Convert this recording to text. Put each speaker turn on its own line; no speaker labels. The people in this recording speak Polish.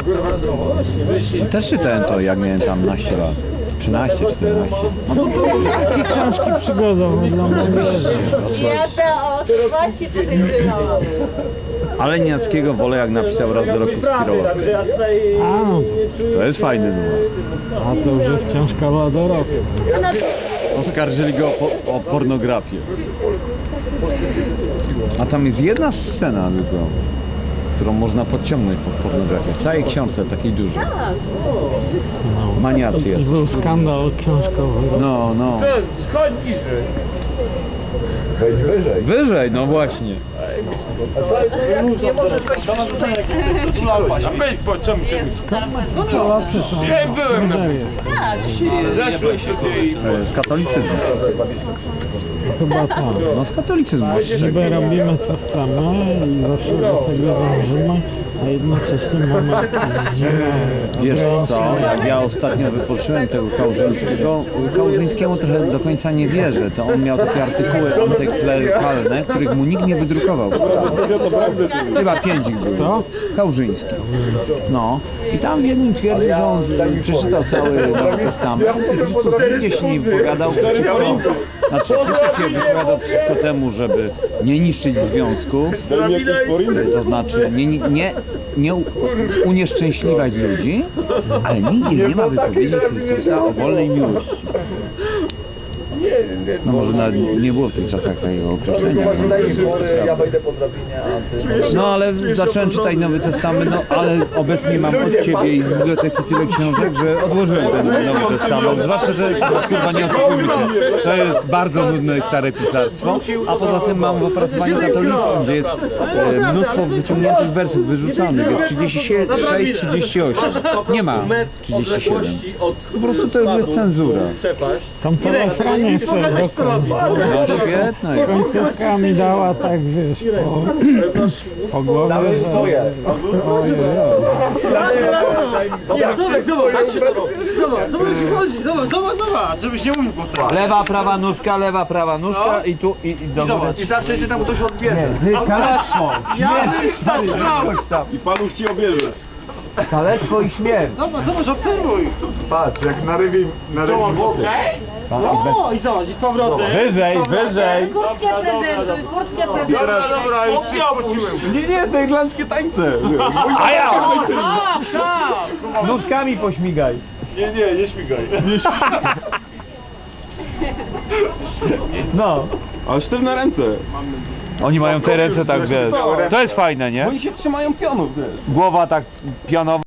Też czytałem to, jak miałem tam naście lat. 13, 14.
Takie książki przygodowe dla młodzieży.
Ja to od właśnie pokazywałam.
Ale Niackiego wolę, jak napisał Raz do roku w Skirowa.
A, no
To jest fajny numer.
a to już jest książka dla dorosłych.
Oskarżyli go o pornografię. A tam jest jedna scena tylko, którą można podciągnąć pod pornografię. W całej książce, takiej dużej.
No.
Maniacy
I
jest.
był skandal książkowy.
No, no.
Schodź niżej.
Wejdź wyżej.
Wyżej, no właśnie.
Nie może wejść A wejdź po co mi czegoś?
Polacy są.
Ja byłem na
Tak.
Zeszłem sobie i...
Z katolicyzmu.
Chyba tak.
No z katolicyzmu.
Niby robimy co chcemy i zawsze do tego dążymy, a jednocześnie mamy jakieś dziwne
Wiesz co, jak ja ostatnio wypoczyłem tego Kałużyńskiemu trochę do końca nie wierzę, to on miał takie artykuły antyklerykalne, których mu nikt nie wydrukował. Chyba 5 ich było.
Kto?
Kałużyński. No. I tam w jednym twierdził, że on przeczytał cały Nowy Testament i Chrystus nigdzie się nie wypowiadał przeciwko... Znaczy Chrystus się wypowiadał przeciwko temu, żeby nie niszczyć związków, to znaczy nie unieszczęśliwać ludzi, ale nigdzie nie ma wypowiedzi Chrystusa o wolnej miłości. No może nawet nie było w tych czasach takiego określenia.
Ja wejdę po drabinie, a ty...
No ale zacząłem czytać Nowy Testament, no ale obecnie mam od Ciebie i z biblioteki tyle książek, że odłożyłem ten Nowy Testament. Zwłaszcza, że kurwa nie oszukujmy się, to jest bardzo nudne i stare pisarstwo, a poza tym mam w opracowaniu katolickim, gdzie jest mnóstwo wyciągniętych wersów wyrzucanych, jest 36, 38, nie ma 37. Po prostu to jest cenzura.
Tam to refrenie jeszcze
No świetne.
końcówka mi dała tak, wiesz, po głowie, że... Ojej.
Zobacz, żebyś nie mówił powtarzać.
Lewa, prawa nóżka i tu i do góry.
I zawsze się tam ktoś odbierze.
Kalectwo!
I panuch ci obierze.
Kalectwo i śmierć!
Zobacz, obserwuj.
Patrz, jak na rybi wody.
O, i zobacz, i z powrotem.
Wyżej!
Kurtkę prezentuj, kurtkę prezentuj.
Dobra, już się spociłem.
Nie, te irlandzkie tańce.
A ja!
Tak!
Nóżkami pośmigaj!
Nie śmigaj.
No.
Ale sztywne ręce.
Oni mają te ręce tak, wiesz. To jest fajne, nie?
Oni się trzymają pionów, wiesz.
Głowa tak pionowa.